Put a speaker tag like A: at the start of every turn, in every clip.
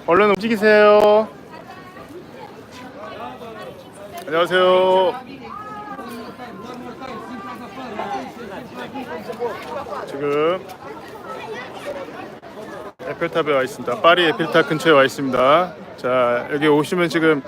A: 얼른 움직이세요. 안녕하세요. 지금 에펠탑에 와 있습니다. 파리 에펠탑 근처에 와 있습니다. 자, 여기 오시면 지금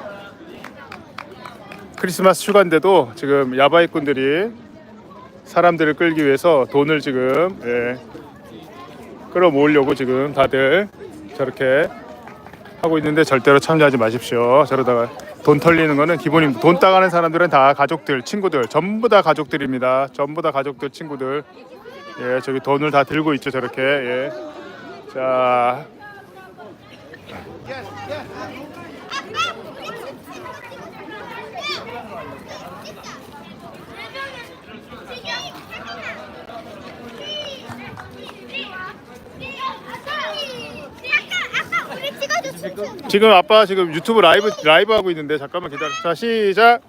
A: 크리스마스 휴가인데도 지금 야바이꾼들이 사람들을 끌기 위해서 돈을 지금 끌어모으려고 지금 다들 저렇게 하고 있는데 절대로 참여하지 마십시오. 저러다가 돈 털리는 거는 기본입니다. 돈 따가는 사람들은 다 가족들, 친구들, 전부 다 가족들입니다. 전부 다 가족들, 친구들. 예, 저기 돈을 다 들고 있죠, 저렇게. 예. 자. 지금 아빠 지금 유튜브 라이브 하고 있는데 잠깐만 기다려. 자, 시작.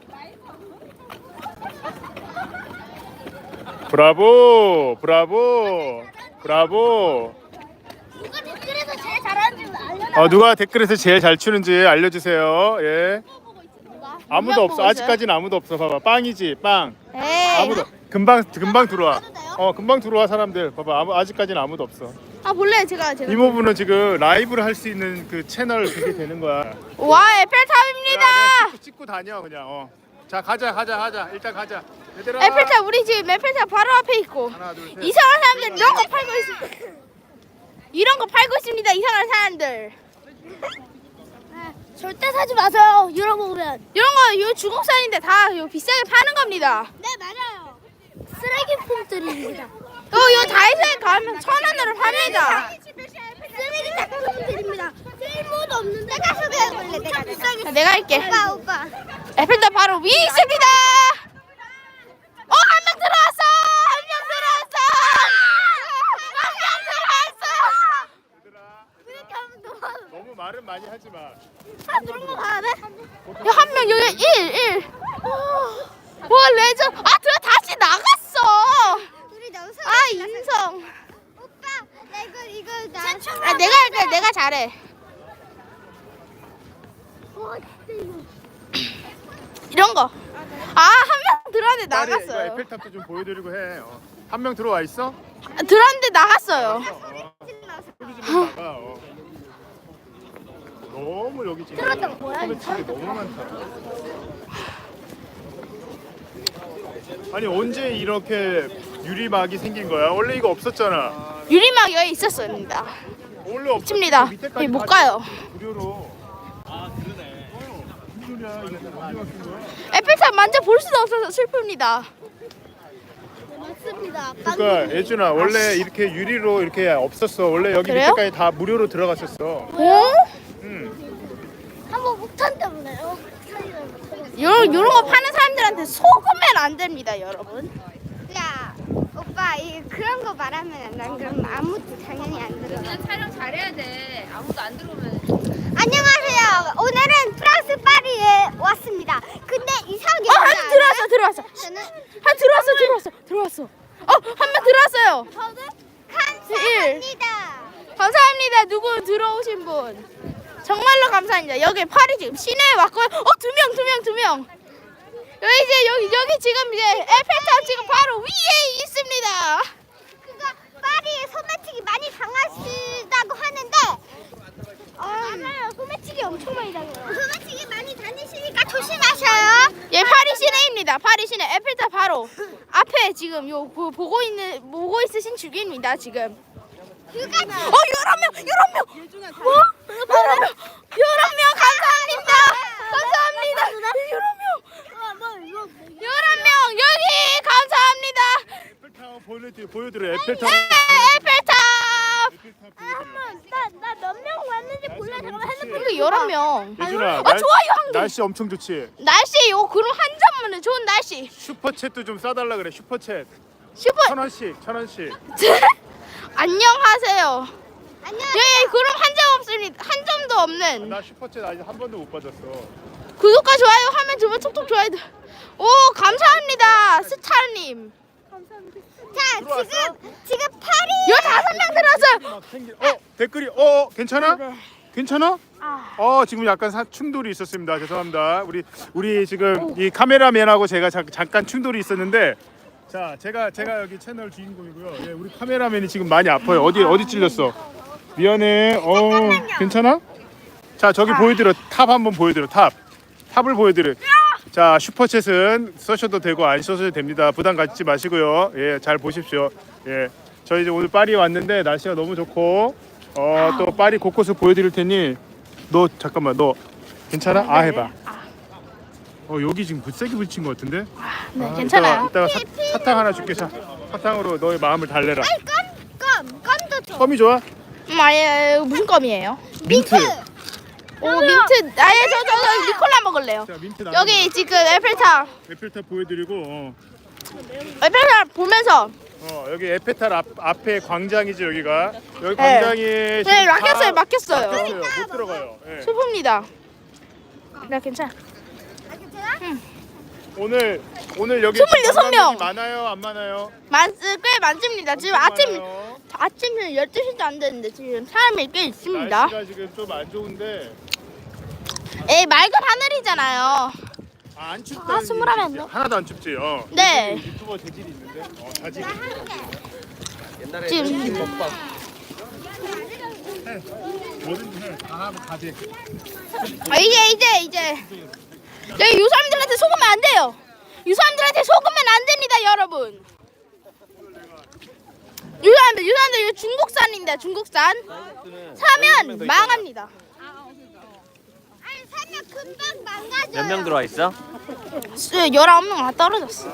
A: 브라보, 브라보, 브라보.
B: 누가 댓글에서 제일 잘하는지 알려라.
A: 누가 댓글에서 제일 잘 추는지 알려주세요. 예. 아무도 없어.
B: 있어요?
A: 아직까지는 아무도 없어. 봐봐, 빵이지, 빵.
B: 에이.
A: 아무도. 금방 들어와. 금방 들어와 사람들. 봐봐, 아직까지는 아무도 없어.
B: 볼래 제가.
A: 이모부는 지금 라이브를 할 수 있는 그 채널 그게 되는 거야.
B: 와, 에펠탑입니다.
A: 그냥 찍고 다녀 그냥. 자, 가자. 일단 가자. 얘들아.
B: 에펠탑, 우리 지금 에펠탑 바로 앞에 있고.
A: 하나, 둘, 셋.
B: 이상한 사람들 이런 거 팔고 있습니다. 이런 거 팔고 있습니다. 이상한 사람들.
C: 절대 사지 마세요. 잃어먹으면.
B: 이런 거 이거 중국산인데 다 이거 비싸게 파는 겁니다.
C: 네, 맞아요. 쓰레기 폼들입니다.
B: 이거 다이소에 가면 1,000원으로 팝니다.
C: 쓰레기 폼들입니다. 쓸모도 없는데. 내가 소개해볼래. 내가 비싸게.
B: 자, 내가 할게.
C: 오빠.
B: 에펠탑 바로 위에 있습니다. 한 명 들어왔어. 한 명 들어왔어.
A: 너무 말은 많이 하지 마.
C: 그런 거 가야 돼?
B: 한 명 여기 1. 와, 레전. 다시 나갔어.
C: 우리 너무
B: 인성.
C: 오빠, 나 이거
B: 내가 할게. 내가 잘해. 이런 거. 한 명 들어왔는데
A: 딸이 이거
B: 나갔어요.
A: 에펠탑도 좀 보여드리고 해. 한 명 들어와 있어?
B: 들어왔는데 나갔어요.
A: 소리 좀 나가. 너무 여기 지금 소매치기 너무 많다. 아니 언제 이렇게 유리막이 생긴 거야? 원래 이거 없었잖아.
B: 유리막 여기 있었습니다.
A: 원래 없었지.
B: 칩니다.
A: 밑에까지
B: 여기 못
A: 다
B: 가요.
A: 무료로. 그러네. 무슨 소리야? 이거 어디 갔은 거야?
B: 에펠탑 만져 볼 수도 없어서 슬픕니다.
C: 맞습니다.
A: 그러니까 예준아 원래 이렇게 유리로 이렇게 없었어. 원래 여기
B: 그래요?
A: 밑에까지 다 무료로 들어갔었어.
B: 어?
C: 한번 목탄 때문에요.
B: 요런 거 파는 사람들한테 속으면 안 됩니다, 여러분.
C: 야, 오빠, 그런 거 말하면 난 그럼 아무도 당연히 안 들어.
D: 그냥 촬영 잘해야 돼. 아무도 안 들어오면.
C: 안녕하세요. 오늘은 프랑스 파리에 왔습니다. 근데 이상하게
B: 한 명 들어왔어.
C: 저는
B: 들어왔어. 한 명 들어왔어요.
C: 저는 감사합니다.
B: 감사합니다. 누구 들어오신 분. 정말로 감사합니다. 여기 파리 지금 시내에 왔고요. 두 명. 여기 지금 이제 에펠탑 지금 바로 위에 있습니다.
C: 그거 파리에 소매치기 많이 당하시다고 하는데 맞아요. 소매치기 엄청 많이 당해요. 소매치기 많이 다니시니까 조심하셔요.
B: 예, 파리 시내입니다. 파리 시내 에펠탑 바로 앞에 지금 보고 있으신 중입니다. 지금.
C: 휴가
B: 11명. 11명 감사합니다. 11명 여기 감사합니다.
A: 에펠탑 보여드려. 에펠탑.
B: 에펠탑.
C: 나 몇 명 왔는지 볼래? 잠깐만 핸드폰.
B: 이거 11명.
A: 예준아
B: 좋아요, 한개.
A: 날씨 엄청 좋지.
B: 날씨 그럼 한 점만은 좋은 날씨.
A: 슈퍼챗도 좀 싸달라 그래. 슈퍼챗
B: 슈퍼
A: 1,000원씩.
B: 안녕하세요.
C: 안녕.
B: 예, 그럼 한 점 없습니다. 한 점도 없는.
A: 나 슈퍼챗 아직 한 번도 못 받았어.
B: 구독과 좋아요 하면 주면 톡톡 좋아요. 오, 감사합니다. 스타님.
C: 자,
A: 들어왔어?
C: 지금 파리
B: 15명 들었어요.
A: 댓글이 괜찮아? 괜찮아? 지금 약간 충돌이 있었습니다. 죄송합니다. 우리 지금 이 카메라맨하고 제가 잠깐 충돌이 있었는데, 자 제가 여기 채널 주인공이고요. 예, 우리 카메라맨이 지금 많이 아파요. 어디 찔렸어? 미안해. 괜찮아? 자 저기 보여드려. 탑 한번 보여드려. 탑을 보여드려. 자 슈퍼챗은 써셔도 되고 안 써셔도 됩니다. 부담 갖지 마시고요. 예, 잘 보십시오. 예, 저희 이제 오늘 파리 왔는데 날씨가 너무 좋고 또 파리 곳곳을 보여드릴 테니 너 잠깐만 너 괜찮아? 해봐. 여기 지금 세게 부딪힌 것 같은데?
B: 네, 괜찮아요.
A: 이따가 사탕 하나 줄게. 자 사탕으로 너의 마음을 달래라.
C: 껌도 줘.
A: 껌이 좋아?
B: 아예 무슨 껌이에요?
A: 민트.
B: 민트. 아예 저 니콜라 먹을래요.
A: 자 민트 나.
B: 여기 지금 에펠탑
A: 보여드리고.
B: 에펠탑 보면서
A: 여기 에펠탑 앞에 광장이지 여기가. 여기
B: 네.
A: 광장이.
B: 네, 막혔어요.
A: 못 들어가요. 예.
B: 슬픕니다. 네, 괜찮아.
A: 오늘 여기
B: 26명.
A: 관광객이 많아요, 안 많아요?
B: 꽤 많습니다. 지금 아침 12시도 안 됐는데 지금 사람이 꽤 있습니다.
A: 날씨가 지금 좀 안 좋은데.
B: 맑은 하늘이잖아요.
A: 안 춥다.
B: 21명.
A: 하나도 안 춥지.
B: 네.
A: 유튜버 재질이 있는데. 자질.
B: 지금
A: 뭐든지 해. 다 하고 가지.
B: 이제 여기 유사람들한테 속으면 안 돼요. 유사람들한테 속으면 안 됩니다, 여러분. 유사람들 이거 중국산입니다. 중국산. 사면 망합니다.
C: 아니 사면 금방 망가져.
E: 몇 명 들어와 있어?
B: 19명 다 떨어졌어.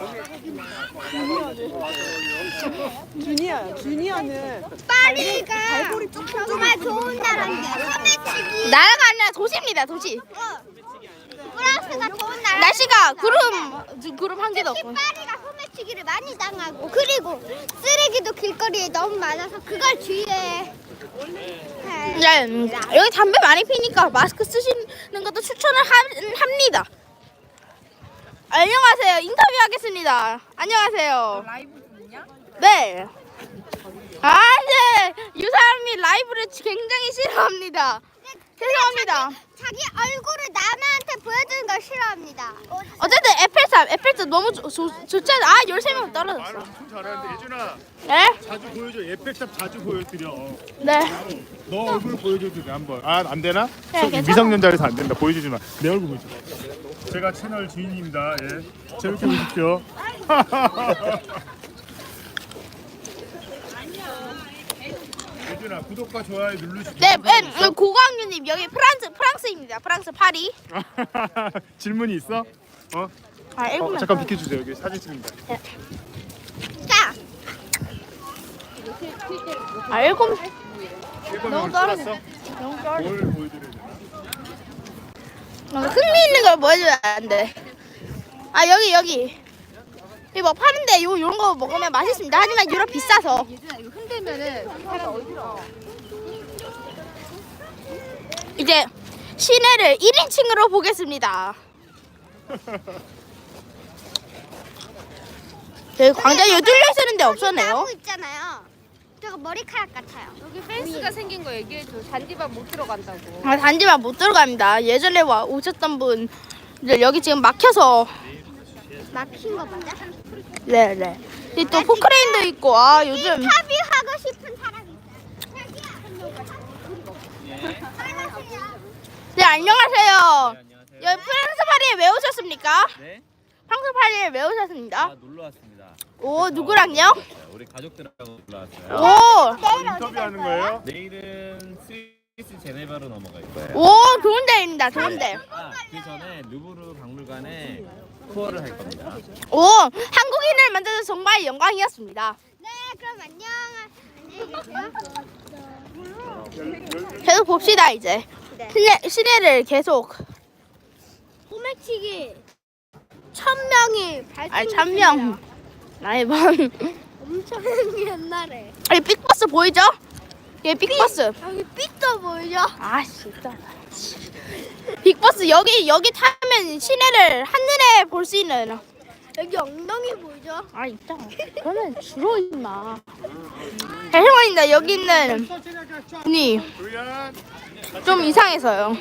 F: 주니어는
C: 파리가 정말 좋은 나라인데 소매치기.
B: 나라가 아니라 도시입니다, 도시.
C: 프랑스가 좋은 나라.
B: 날씨가 구름 한 개도 없고.
C: 파리가 소매치기를 많이 당하고 그리고 쓰레기도 길거리에 너무 많아서 그걸 주의해.
B: 네, 여기 담배 많이 피니까 마스크 쓰시는 것도 추천을 합니다. 안녕하세요. 인터뷰하겠습니다. 안녕하세요.
D: 라이브 듣냐?
B: 네. 네. 유사람이 라이브를 굉장히 싫어합니다. 죄송합니다.
C: 자기 얼굴을 남한테 보여주는 걸 싫어합니다.
B: 어쨌든 에펠탑 너무 좋잖아. 13명 떨어졌어.
A: 말 엄청 잘하는데 예준아
B: 네?
A: 자주 보여줘. 에펠탑 자주 보여드려.
B: 네.
A: 너 얼굴 보여줘도 돼 한번. 안 되나?
B: 네, 괜찮아.
A: 미성년자라서 안 된다. 보여주지 마. 내 얼굴 보여줘. 제가 채널 주인입니다. 예. 재밌게 보십시오. 예준아 구독과 좋아요 누르시고.
B: 네, 고광규님 여기 프랑스입니다. 프랑스 파리.
A: 질문이 있어?
B: 읽으면
A: 잠깐 비켜주세요. 여기 사진 찍는다.
C: 자,
B: 읽으면
A: 너무
B: 떨어져.
A: 뭘 보여드려야 되나?
B: 흥미있는 걸 보여줘야 안 돼. 여기 이거 파는데 요런 거 먹으면 맛있습니다. 하지만 유럽 비싸서.
D: 예준아 이거 흔들면은 사람 어디서?
B: 이제 시내를 1인칭으로 보겠습니다. 여기 광장이 뚫려 있었는데 없었네요.
C: 나무 있잖아요. 저거 머리카락 같아요.
D: 여기 펜스가 생긴 거 얘기해줘. 잔디밭 못 들어간다고.
B: 단지만 못 들어갑니다. 예전에 오셨던 분들 여기 지금 막혀서.
C: 막힌 거 맞아?
B: 네네. 또 포크레인도 있고 요즘
C: 인터뷰하고 싶은 사람이 있어요.
B: 네 안녕하세요. 여기 프랑스 파리에 왜 오셨습니까?
E: 네?
B: 프랑스 파리에 왜 오셨습니다?
E: 놀러 왔습니다.
B: 오 누구랑요?
E: 우리 가족들하고 놀러 왔어요.
B: 오,
A: 인터뷰하는 거예요?
E: 내일은 스위스 제네바로 넘어갈 거예요.
B: 오 좋은 데입니다. 좋은 데.
E: 그 전에 루브르 박물관에 투어를 할 겁니다.
B: 오 한국인을 만나서 정말 영광이었습니다.
C: 네, 그럼 안녕히 계세요.
B: 계속 봅시다 이제. 시내를 계속.
C: 소매치기 1000명이
B: 1000명. 나이번.
C: 엄청 옛날에.
B: 빅버스 보이죠? 예, 빅버스.
C: 여기 삐도 보이죠?
B: 진짜. 빅버스 여기 타면 시내를 한눈에 볼 수 있는.
C: 여기 엉덩이 보이죠?
B: 있잖아. 그러면 주로 임마. 죄송합니다. 여기 있는 분이 좀 이상해서요.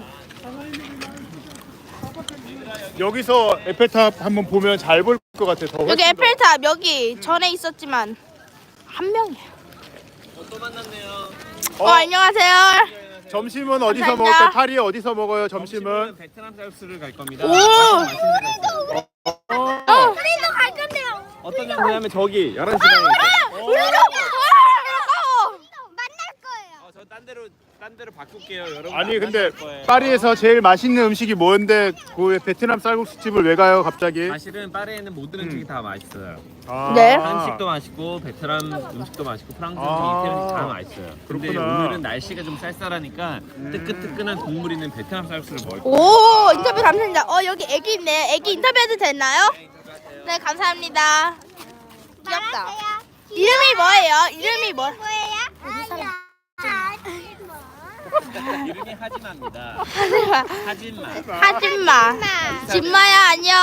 A: 여기서 에펠탑 한번 보면 잘 볼 것 같아. 더
B: 여기
A: 훨씬 더.
B: 에펠탑 여기 전에 있었지만 한 명이에요.
E: 또 만났네요.
B: 안녕하세요.
A: 점심은 어디서
B: 감사합니다.
A: 먹을까요? 파리에 어디서 먹어요? 점심은?
E: 베트남 쌀국수를 갈 겁니다.
B: 오!
E: 맛있는 데가 있어요.
C: 우리도 갈 건데요.
E: 어떤 장소냐면 저기 11시 방에
C: 만날 거예요.
E: 저 딴 데로 바꿀게요. 여러분.
A: 아니
E: 안
A: 근데
E: 만날 거예요.
A: 파리에서 제일 맛있는 음식이 뭔데 그 베트남 쌀국수 집을 왜 가요 갑자기?
E: 사실은 파리에는 모든 음식이 다 맛있어요.
A: 아,
B: 네.
E: 한식도 맛있고 베트남 음식도 맛있고 프랑스 음식, 이태리 음식 다 맛있어요. 근데
A: 그렇구나.
E: 오늘은 날씨가 좀 쌀쌀하니까 뜨끈뜨끈한 국물 있는 베트남 쌀국수를 먹을 거예요.
B: 오 인터뷰 감사합니다. 여기 애기 있네. 애기 인터뷰해도 되나요? 네 감사합니다. 귀엽다.
C: 말하세요.
B: 이름이 뭐예요? 이름이 뭐?
C: 뭐예요?
E: 이름이 하지마입니다.
B: 하지마.
E: 하지마.
B: 하지마. 진마야 안녕.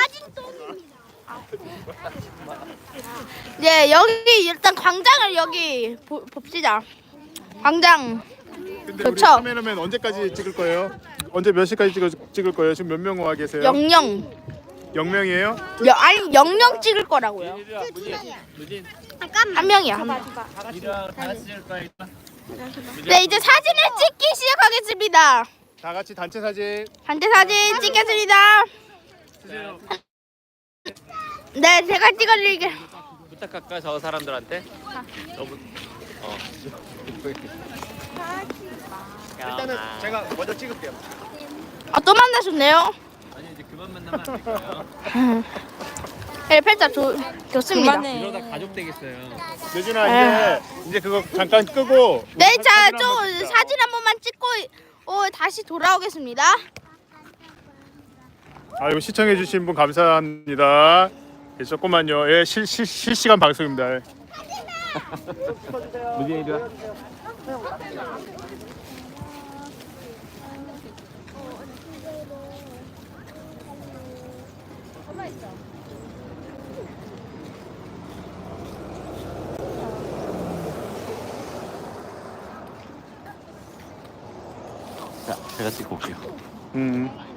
B: 네 여기 일단 광장을 여기 봅시다. 광장.
A: 근데 우리
B: 그쵸?
A: 카메라맨 언제까지 찍을 거예요? 언제 몇 시까지 찍을 거예요? 지금 몇 명 와 계세요?
B: 영영.
A: 0명이에요?
B: 아니 영영 찍을 거라고요.
E: 무진.
B: 한 명이야. 한 명.
E: 이랑 다 같이 찍을 거야.
B: 네 이제 사진을 찍기 시작하겠습니다.
A: 다 같이 단체 사진.
B: 단체 사진 찍겠습니다. 네 제가 찍어드릴게요.
E: 부탁할까 저 사람들한테? 너무
A: 일단은 제가 먼저 찍을게요.
B: 또 만나셨네요.
E: 아니 이제 그만 만나면 안 될까요?
B: 에펠탑 좋습니다.
E: 이러다 가족 되겠어요.
A: 예준아 이제 그거 잠깐 끄고.
B: 네,
A: 우리
B: 자,
A: 사진
B: 좀
A: 한번 찍자.
B: 사진 한 번만 찍고 다시 돌아오겠습니다.
A: 아이고 시청해주신 분 감사합니다. 예, 조금만요. 예, 실시간 방송입니다. 예.
E: 무진 이리 와. 자, 제가 찍고 올게요.